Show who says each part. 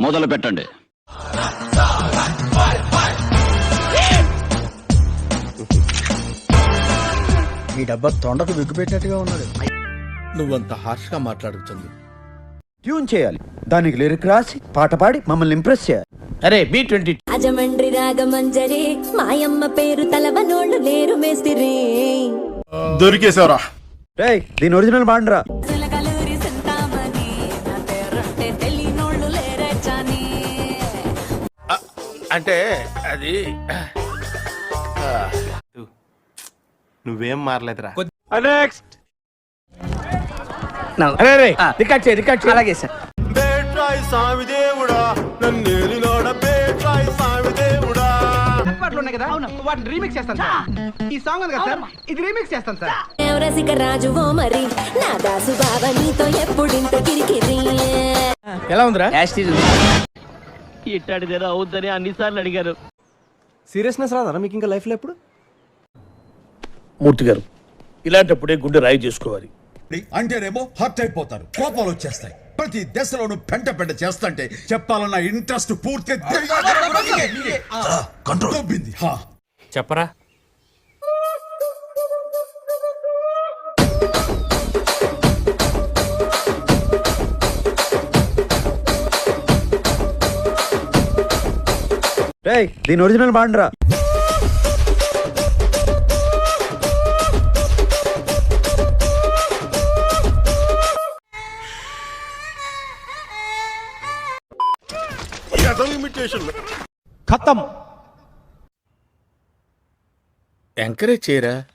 Speaker 1: మొదలు పెట్టండి.
Speaker 2: ఈ డబ్బా తొండకు విగ్గుపెట్టినట్టుగా ఉన్నాడు.
Speaker 3: నువ్వంత హార్ష్ గా మాట్లాడుతుంది.
Speaker 2: ట్యూన్ చేయాలి, దానికి లిరిక్ రాసి పాట పాడి మమ్మల్ని ఇంప్రెస్ చేయాలి.
Speaker 3: అరే B20
Speaker 4: అజమండ్రి రాగమంజరి మాయమ్మ పేరు తలవనోళ్ళు లేరు మేస్తిరి
Speaker 5: దొరికేశారా?
Speaker 2: రేయ్, దీని ఒరిజినల్ బాండ్రా.
Speaker 4: కలూరి సింతామణి నా పేరంటే తెలియనోళ్ళు లేరే చాని
Speaker 3: అంటే అది
Speaker 5: నువ్వేం మారలేదురా.
Speaker 3: రికార్డ్ చేయి. అలాగే సార్.
Speaker 5: బేట్రాయి స్వామి దేవుడా, నన్నేలినోడ బేట్రాయి స్వామి దేవుడా.
Speaker 6: వాటిని రీమిక్స్ చేస్తాను సార్. ఈ సాంగ్ ఉంది కదా సార్, ఇది రీమిక్స్ చేస్తాను సార్.
Speaker 4: రసిక రాజువో మరి నా దాసు బావ నీతో ఎప్పుడింత కిరికిరి
Speaker 3: ఎలా ఉందిరా?
Speaker 7: ఇట్టాడిదేదో అవుద్దని అన్నిసార్లు అడిగారు.
Speaker 5: సీరియస్నెస్ రాదా మీకు ఇంకా లైఫ్ లో ఎప్పుడు?
Speaker 3: మూర్తి గారు, ఇలాంటప్పుడే గుండె రాయి చేసుకోవాలి.
Speaker 8: అంటేనేమో హర్ట్ అయిపోతారు, కోపాలు వచ్చేస్తాయి. ప్రతి దశలోనూ పెంట చేస్తుంటే చెప్పాలన్న ఇంట్రెస్ట్ పూర్తిగా కంట్రోల్.
Speaker 3: చెప్పరా?
Speaker 2: రేయ్, దీని ఒరిజినల్ బాండ్రా.
Speaker 3: ఎంకరేజ్ చేయరా.